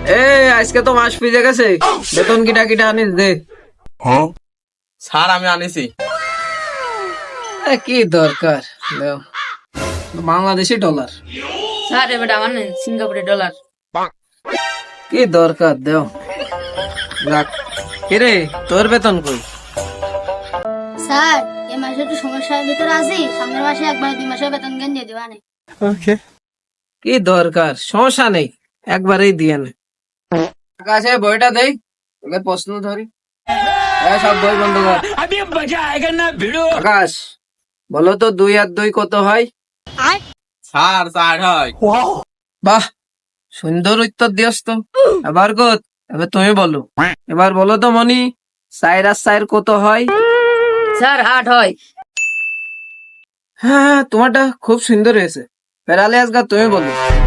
আজকে তো মাস পিজে গেছে, বেতন কিটা কিটা আনিস দে। স্যার আমি আনিছি। কি দরকার দেও, বাংলাদেশি ডলার। স্যার এবার আমার নেন সিঙ্গাপুরের ডলার। কি দরকার দেও। যাক, কিরে তোর বেতন কই? স্যার এই মাসে একটু সমস্যার ভিতরে আছি, সামনের মাসে একবার 2 মাসের বেতন জ্ঞান দিয়ে দিবা না। কি দরকার, সমস্যা নেই, একবারেই দিয়ে নে। আকাশে বইটা দেই, তোকে প্রশ্ন ধরি। সব বই বন্ধ কর। আকাশ, বলো তো 2 আর 2 কত হয়? স্যার 4 হয়। বাহ, সুন্দর উত্তর দিয়স তো। এবার কত, এবার তুমি বলো। এবার বলো তো মনি, 4 আর 4 কত হয়? স্যার 8 হয়। হ্যাঁ, তোমারটা খুব সুন্দর হয়েছে। ফেরালে আজগা তুমি বলো।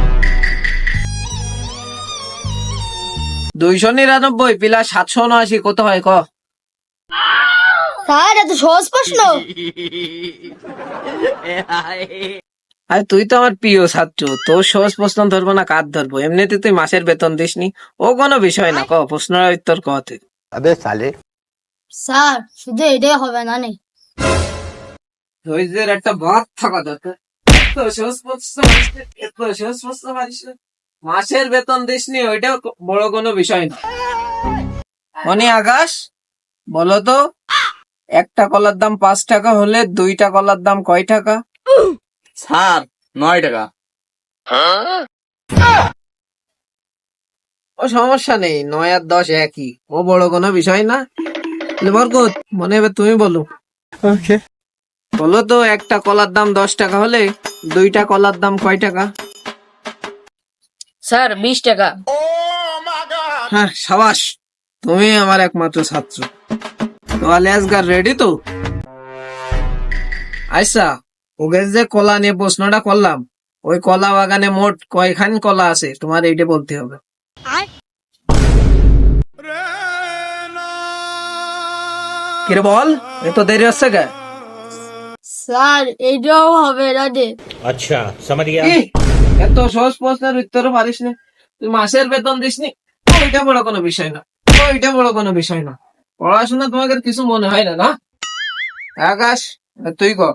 299 প্লাস 779 কত হয় ক? স্যার এত সহজ প্রশ্ন। আরে তুই তো আমার প্রিয় ছাত্র, তোর সহজ প্রশ্ন ধরবো না কার ধরবো? এমনিতে তুই মাসের বেতন দিসনি, ও কোনো বিষয় না। ক প্রশ্নের উত্তর কতে। স্যার শুধু এটাই হবে না নে। ধৈর্যের একটা বাঁধ থাকা দরকার। এত সহজ প্রশ্ন, এত সহজ প্রশ্ন পারিস না? মাসের বেতন দিসনি, ওইটা বড় কোনো বিষয় না। মনি, আকাশ, বলো তো একটা কলার দাম 5 টাকা হলে 2টা কলার দাম কয় টাকা? স্যার 9 টাকা। ও সমস্যা নেই, 9 আর 10 একই, ও বড় কোনো বিষয় না। বরকত, মনে হবে তুমি বলো। বলো তো একটা কলার দাম 10 টাকা হলে 2টা কলার দাম কয় টাকা? স্যার 20 টাকা। হ্যাঁ, সাবাস, তুমি আমার একমাত্র ছাত্র। তো আলিয়াসগার রেডি তো? আচ্ছা, ওকে যে কলা নিয়ে প্রশ্নটা করলাম, ওই কলা বাগানে মোট কয়খান কলা আছে তোমার এইটা বলতে হবে। কিরে বল, এত দেরি হচ্ছে কে? স্যার এইটাও হবে না রে। अच्छा समझ गया। কি? এত সহজ প্রশ্নের উত্তরও পারিস না? তুই মাসের বেতন দিসনি, ওইটা বড় কোনো বিষয় না, ওইটা বড় কোনো বিষয় না। পড়াশোনা তোমাকে কিছু মনে হয় না, না? আকাশ, তুই ক।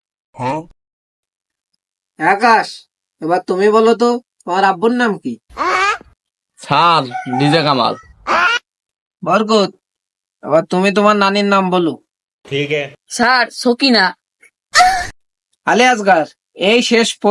আকাশ, এবার তুমি বলো তো তোমার আব্বুর নাম কি? Sir DJ Kamal. বরকত, এবার তুমি তোমার নানির নাম বলো। ठीक है। স্যার সকিনা। আলিয়াসগার, এই শেষ